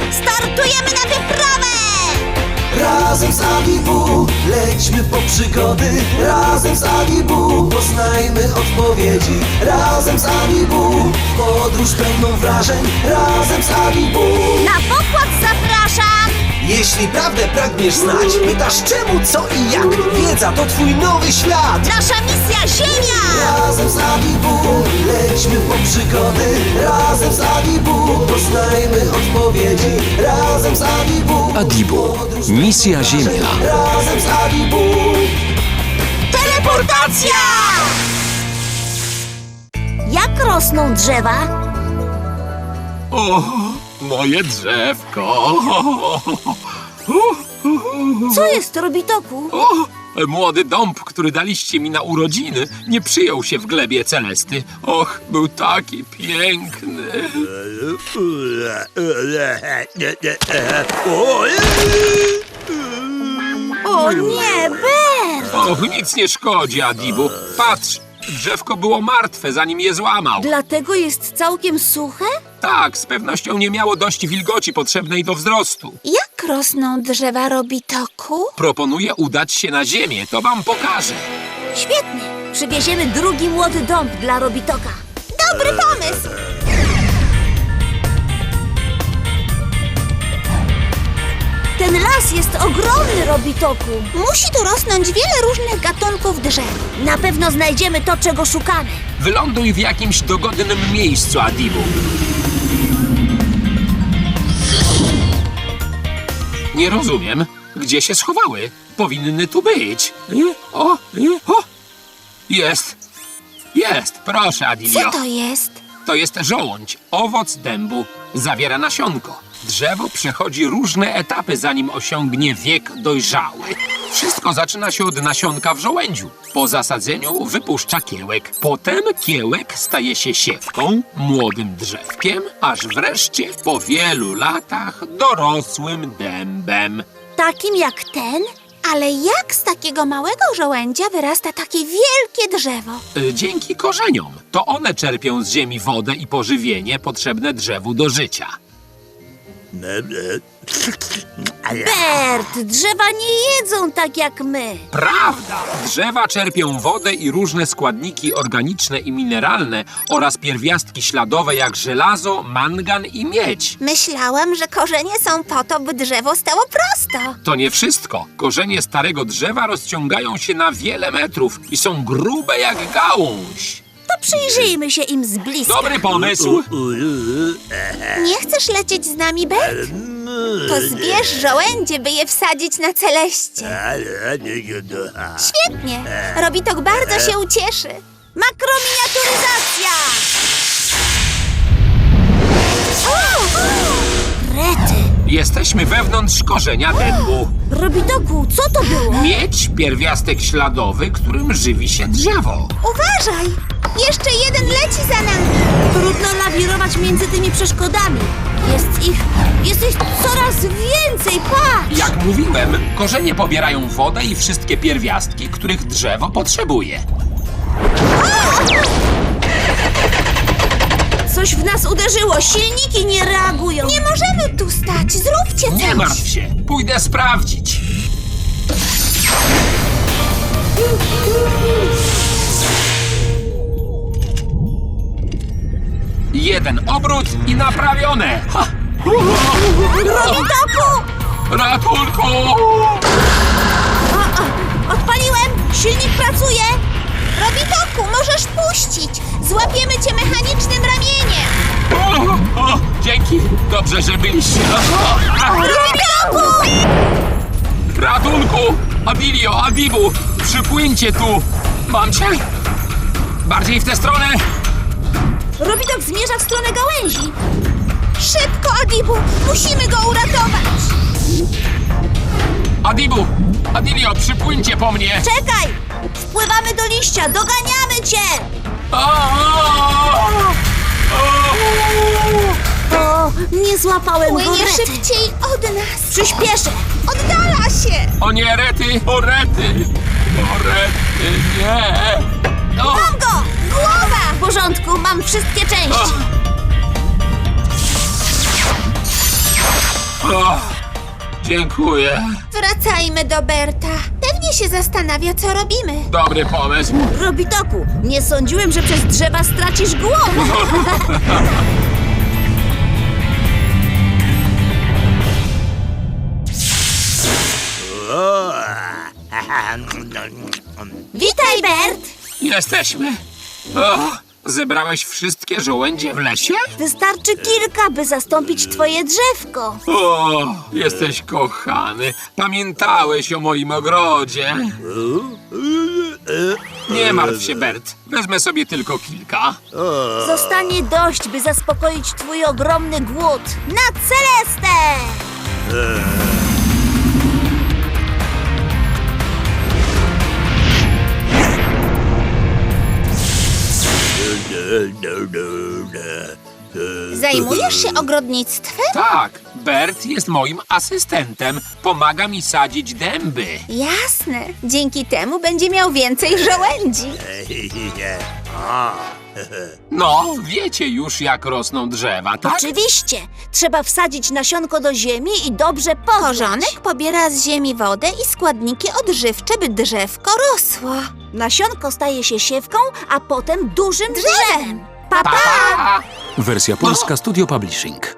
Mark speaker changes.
Speaker 1: Startujemy na wyprawę!
Speaker 2: Razem z Adibu lećmy po przygody. Razem z Adibu poznajmy odpowiedzi. Razem z Adibu podróż pełną wrażeń. Razem z Adibu.
Speaker 1: Na pokład zapraszam!
Speaker 2: Jeśli prawdę pragniesz znać, pytasz czemu, co i jak. Wiedza to twój nowy świat.
Speaker 1: Nasza misja Ziemia!
Speaker 2: Razem z Adibu lećmy po przygody. Razem z Adibu poznajmy odpowiedzi. Razem z Adibu.
Speaker 3: Adibu. Misja Ziemia.
Speaker 2: Razem z Adibu.
Speaker 1: Teleportacja! Jak rosną drzewa?
Speaker 4: O, moje drzewko.
Speaker 1: Co jest, Robitoku?
Speaker 4: O, młody dąb, który daliście mi na urodziny, nie przyjął się w glebie Celesty. Och, był taki piękny.
Speaker 1: O nie, Bert!
Speaker 4: Och, nic nie szkodzi, Adibu. Patrz, drzewko było martwe, zanim je złamał.
Speaker 1: Dlatego jest całkiem suche?
Speaker 4: Tak, z pewnością nie miało dość wilgoci potrzebnej do wzrostu.
Speaker 1: Jak rosną drzewa, Robitoku?
Speaker 4: Proponuję udać się na ziemię, to wam pokażę.
Speaker 1: Świetnie! Przywieziemy drugi młody dąb dla Robitoka. Dobry pomysł! Ten las jest ogromny, Robitoku. Musi tu rosnąć wiele różnych gatunków drzew. Na pewno znajdziemy to, czego szukamy.
Speaker 4: Wyląduj w jakimś dogodnym miejscu, Adibu. Nie rozumiem, gdzie się schowały. Powinny tu być. O! Jest! Jest! Proszę, Adilio.
Speaker 1: Co to jest?
Speaker 4: To jest żołądź, owoc dębu. Zawiera nasionko. Drzewo przechodzi różne etapy, zanim osiągnie wiek dojrzały. Wszystko zaczyna się od nasionka w żołędziu. Po zasadzeniu wypuszcza kiełek. Potem kiełek staje się siewką, młodym drzewkiem, aż wreszcie po wielu latach dorosłym dębem.
Speaker 1: Takim jak ten? Ale jak z takiego małego żołędzia wyrasta takie wielkie drzewo?
Speaker 4: Dzięki korzeniom. To one czerpią z ziemi wodę i pożywienie potrzebne drzewu do życia.
Speaker 1: Bert, drzewa nie jedzą tak jak my.
Speaker 4: Prawda! Drzewa czerpią wodę i różne składniki organiczne i mineralne oraz pierwiastki śladowe jak żelazo, mangan i miedź.
Speaker 1: Myślałam, że korzenie są po to, by drzewo stało prosto.
Speaker 4: To nie wszystko. Korzenie starego drzewa rozciągają się na wiele metrów i są grube jak gałąź.
Speaker 1: To przyjrzyjmy się im z bliska.
Speaker 4: Dobry pomysł!
Speaker 1: Nie chcesz lecieć z nami, Bert? To zbierz żołędzie, by je wsadzić na Celeście. Świetnie! Robitok bardzo się ucieszy. Makrominiaturyzacja! O! Rety!
Speaker 4: Jesteśmy wewnątrz korzenia dębu.
Speaker 1: Robitoku, co to było?
Speaker 4: Miedź, pierwiastek śladowy, którym żywi się drzewo.
Speaker 1: Uważaj! Jeszcze jeden leci za nami! Trudno lawirować między tymi przeszkodami. Jest ich coraz więcej, patrz!
Speaker 4: Jak mówiłem, korzenie pobierają wodę i wszystkie pierwiastki, których drzewo potrzebuje.
Speaker 1: Coś w nas uderzyło, silniki nie reagują. Nie możemy tu stać, zróbcie coś!
Speaker 4: Nie martw się, pójdę sprawdzić. Jeden obrót i naprawione. Ha!
Speaker 1: Robitoku!
Speaker 4: Ratunku!
Speaker 1: Odpaliłem! Silnik pracuje! Robitoku, możesz puścić! Złapiemy cię mechanicznym ramieniem!
Speaker 4: Dzięki, dobrze, że byliście.
Speaker 1: Robitoku!
Speaker 4: Ratunku! Adilio, Adibu, przypłyńcie tu! Mam cię! Bardziej w tę stronę!
Speaker 1: Robitok zmierza w stronę gałęzi. Szybko, Adibu! Musimy go uratować!
Speaker 4: Adibu! Adilio, przypłyńcie po mnie!
Speaker 1: Czekaj! Wpływamy do liścia, doganiamy cię! O, nie złapałem go,
Speaker 5: Płynie
Speaker 1: Rety.
Speaker 5: szybciej od nas.
Speaker 1: Przyspieszę.
Speaker 5: Oddala się.
Speaker 4: O nie, Rety! O Rety! O Rety, nie! O!
Speaker 1: Mam go! Głowa! W porządku, mam wszystkie części.
Speaker 4: O, dziękuję.
Speaker 5: Wracajmy do Berta. Pewnie się zastanawia, co robimy.
Speaker 4: Dobry pomysł.
Speaker 1: Robitoku, nie sądziłem, że przez drzewa stracisz głowę. Witaj, Bert!
Speaker 4: Jesteśmy. O, zebrałeś wszystkie żołędzie w lesie?
Speaker 1: Wystarczy kilka, by zastąpić twoje drzewko.
Speaker 4: O, jesteś kochany. Pamiętałeś o moim ogrodzie. Nie martw się, Bert. Wezmę sobie tylko kilka.
Speaker 1: Zostanie dość, by zaspokoić twój ogromny głód. Na Celestę!
Speaker 5: Zajmujesz się ogrodnictwem?
Speaker 4: Tak, Bert jest moim asystentem. Pomaga mi sadzić dęby.
Speaker 5: Jasne. Dzięki temu będzie miał więcej żołędzi.
Speaker 4: No, wiecie już, jak rosną drzewa, tak?
Speaker 1: Oczywiście. Trzeba wsadzić nasionko do ziemi i dobrze pochrzać.
Speaker 5: Korzonek pobiera z ziemi wodę i składniki odżywcze, by drzewko rosło.
Speaker 1: Nasionko staje się siewką, a potem dużym drzewem. Pa,
Speaker 4: Pa,
Speaker 1: pa!
Speaker 4: pa!
Speaker 3: Wersja polska Studio Publishing.